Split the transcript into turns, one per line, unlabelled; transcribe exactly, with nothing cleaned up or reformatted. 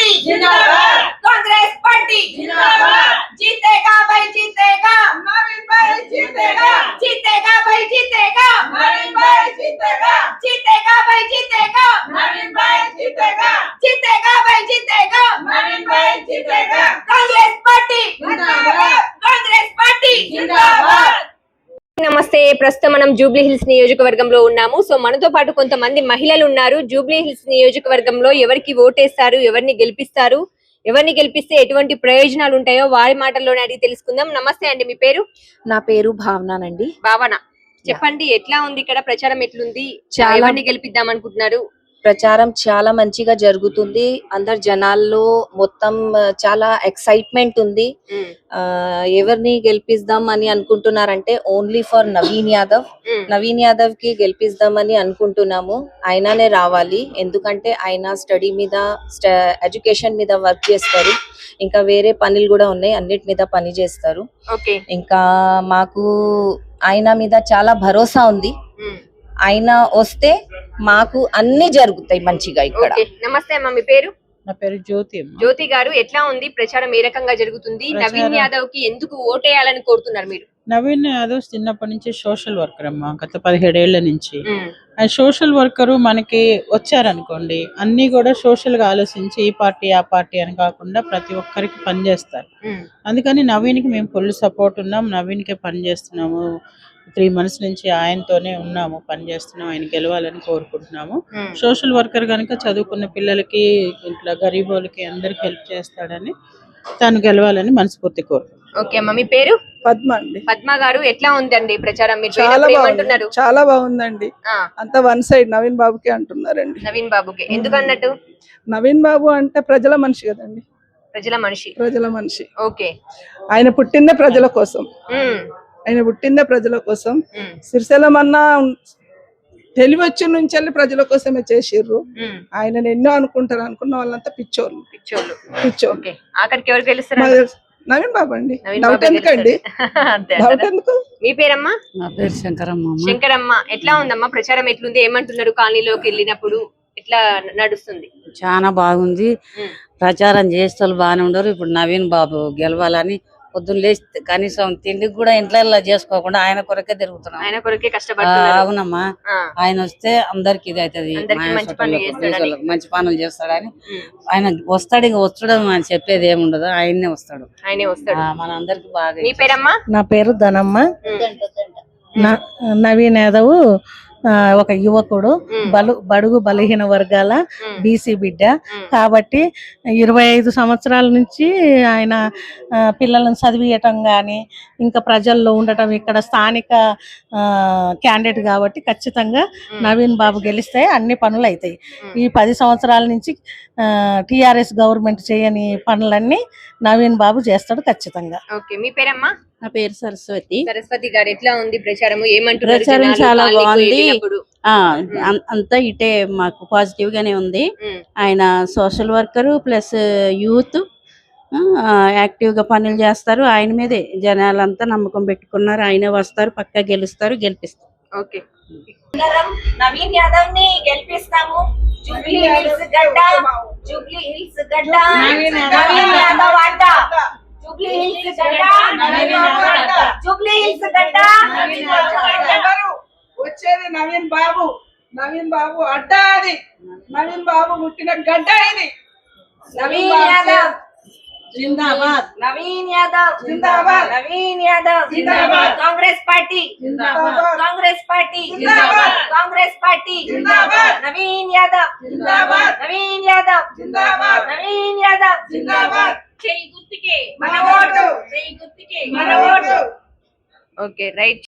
Party जिंदाबाद, Congress party जिंदाबाद, जीतेगा भाई जीतेगा, नवीन भाई जीतेगा, जीतेगा भाई जीतेगा, नवीन भाई जीतेगा, जीतेगा भाई जीतेगा, नवीन भाई जीतेगा, जीतेगा भाई जीतेगा, नवीन भाई जीतेगा, कांग्रेस पार्टी जिंदाबाद, कांग्रेस पार्टी जिंदाबाद।
నమస్తే. ప్రస్తుతం మనం జూబ్లీ హిల్స్ నియోజకవర్గంలో ఉన్నాము. సో మనతో పాటు కొంతమంది మహిళలు ఉన్నారు. జూబ్లీ హిల్స్ నియోజకవర్గంలో ఎవరికి ఓటేస్తారు, ఎవరిని గెలిపిస్తారు, ఎవరిని గెలిపిస్తే ఎటువంటి ప్రయోజనాలు ఉంటాయో వారి మాటల్లోనే అడిగి తెలుసుకుందాం. నమస్తే అండి, మీ పేరు?
నా పేరు భావనానండి.
భావన, చెప్పండి ఎట్లా ఉంది ఇక్కడ ప్రచారం, ఎట్లుంది,
చాలా
ఎవరిని గెలిపిద్దాం అనుకుంటున్నారు?
ప్రచారం చాలా మంచిగా జరుగుతుంది. అందరు జనాల్లో మొత్తం చాలా ఎక్సైట్మెంట్ ఉంది. ఎవరిని గెలిపిద్దాం అని అనుకుంటున్నారంటే ఓన్లీ ఫర్ నవీన్ యాదవ్. నవీన్ యాదవ్ కి గెలిపిద్దామని అనుకుంటున్నాము. ఆయననే రావాలి, ఎందుకంటే ఆయన స్టడీ మీద ఎడ్యుకేషన్ మీద వర్క్ చేస్తారు, ఇంకా వేరే పనులు కూడా ఉన్నాయి, అన్నిటి మీద పని చేస్తారు. ఇంకా మాకు ఆయన మీద చాలా భరోసా ఉంది. ఆయన వస్తే మాకు అన్ని జరుగుతాయి మంచిగా ఇక్కడ.
నమస్తే అమ్మ, మీ పేరు?
నా పేరు జ్యోతి.
జ్యోతి గారు, ఎట్లా ఉంది ప్రచారం, ఏ రకంగా జరుగుతుంది? నవీన్ యాదవ్ కి ఎందుకు ఓటేయాలని కోరుతున్నారు మీరు?
నవీన్ యాదవ్ చిన్నప్పటి నుంచి సోషల్ వర్కర్ అమ్మా, గత పదిహేడేళ్ల నుంచి. ఆ సోషల్ వర్కరు మనకి వచ్చారనుకోండి, అన్ని కూడా సోషల్ గా ఆలోచించి ఈ పార్టీ ఆ పార్టీ అని కాకుండా ప్రతి ఒక్కరికి పనిచేస్తారు. అందుకని నవీన్ కి మేము ఫుల్ సపోర్ట్ ఉన్నాం, నవీన్ కే పని చేస్తున్నాము. త్రీ మంత్స్ నుంచి ఆయనతోనే ఉన్నాము, పని చేస్తున్నాం. ఆయన గెలవాలని కోరుకుంటున్నాము. సోషల్ వర్కర్ కనుక చదువుకున్న పిల్లలకి, ఇట్లా గరీబ్ వాళ్ళకి అందరికి హెల్ప్ చేస్తాడని, తను గెలవాలని మనస్ఫూర్తి కోరుకుంటున్నాం.
ఓకే అమ్మ, మీ పేరు?
పద్మ అండి.
పద్మ గారు, ఎట్లా ఉందండి ప్రచారం? మీరు
చాలా బాగుంది, చాలా బాగుందండి. అంత వన్ సైడ్ నవీన్ బాబుకి అంటున్నారండి.
నవీన్ బాబుకి ఎందుకు అన్నట్టు?
నవీన్ బాబు అంటే ప్రజల మనిషి కదండి.
ప్రజల మనిషి,
ప్రజల మనిషి.
ఓకే.
ఆయన పుట్టిందే ప్రజల కోసం, ఆయన పుట్టిందే ప్రజల కోసం. సిరిశైలం అన్న తెలివి వచ్చి నుంచి వెళ్ళి ప్రజల కోసమే చేసిర్రు. ఆయన ఎన్నో అనుకుంటారు, అనుకున్న వాళ్ళంతా పిచ్చోళ్ళు పిచ్చోళ్ళు పిచ్చోళ్ళు.
ఆఖరికి ఎవరు గెలుస్తారు?
నవీన్ బాబు అండి. డౌట్ ఎందుకండి, డౌట్ ఎందుకు?
మీ పేరమ్మా?
నా పేరు శంకరమ్మ.
శంకరమ్మ, ఎట్లా ఉందమ్మా ప్రచారం, ఎట్లుంది, ఏమంటున్నారు? కాలనీలోకి వెళ్ళినప్పుడు ఎట్లా నడుస్తుంది?
చాలా బాగుంది. ప్రచారం చేస్తే బాగానే ఉండరు. ఇప్పుడు నవీన్ బాబు గెలవాలని పొద్దున్న లేచి కనీసం తిండికి కూడా ఇంట్లో చేసుకోకుండా ఆయన కొరకే తిరుగుతున్నాం.
ఆయన కొరకే కష్టపడుతున్నారు.
అవునమ్మా, ఆయన వస్తే అందరికి ఇది అవుతుంది, మంచి పనులు చేస్తాడని. ఆయన వస్తాడు, ఇంక వస్తాడు అని చెప్పేది ఏముండదు, ఆయన్నే వస్తాడు.
ఆయనే వస్తాడు.
మన అందరికి బాగా.
మీ పేరమ్మా?
నా పేరు ధనమ్మ. నవీన్ యాదవ్ ఒక యువకుడు, బలు బడుగు బలహీన వర్గాల బీసీ బిడ్డ కాబట్టి ఇరవై ఐదు సంవత్సరాల నుంచి ఆయన పిల్లలను చదివియటం కానీ, ఇంకా ప్రజల్లో ఉండటం, ఇక్కడ స్థానిక క్యాండిడేట్ కాబట్టి ఖచ్చితంగా నవీన్ బాబు గెలిస్తే అన్ని పనులు అవుతాయి. ఈ పది సంవత్సరాల నుంచి టిఆర్ఎస్ గవర్నమెంట్ చేయని పనులన్నీ నవీన్ బాబు చేస్తాడు ఖచ్చితంగా.
ఓకే, మీ పేరమ్మా?
నా పేరు సరస్వతి.
సరస్వతి గారు, ఎట్లా ఉంది ప్రచారం, ఏమంటున్నారు?
ప్రచారం చాలా బాగుంది. అంతా ఇటే మాకు పాజిటివ్ గానే ఉంది. ఆయన social worker plus youth, active గా పనులు చేస్తారు. ఆయన మీదే జనాలంతా నమ్మకం పెట్టుకున్నారు. ఆయనే వస్తారు, పక్కా గెలుస్తారు, గెలిపిస్తారు.
ఓకే,
నవీన్ యాదవ్ ని గెలిపిస్తాము. జూబ్లీ హిల్స్ గడ్డ, జూబ్లీ హిల్స్ గడ్డ, నవీన్ యాదవ్ అడ్డ. జూబ్లీ హిల్స్ గడ్డ, నవీన్ యాదవ్ అడ్డ. జూబ్లీ హిల్స్ గడ్డ, నవీన్ యాదవ్ అడ్డ.
వచ్చేది నవీన్ బాబు. నవీన్ బాబు అడ్డ, అది నవీన్ బాబు పుట్టిన గడ్డ ఇది.
నవీన్ యాదవ్
జిందాబాద్,
నవీన్ యాదవ్
జిందాబాద్,
నవీన్ యాదవ్
జిందాబాద్,
కాంగ్రెస్ పార్టీ
జిందాబాద్,
కాంగ్రెస్ పార్టీ
జిందాబాద్,
కాంగ్రెస్ పార్టీ
జిందాబాద్,
నవీన్ యాదవ్
జిందాబాద్,
నవీన్ యాదవ్
జిందాబాద్,
నవీన్ యాదవ్
జిందాబాద్.
చేయి గుర్తుకే మన ఓటు, చేయి గుర్తుకే మన ఓటు.
Okay, right.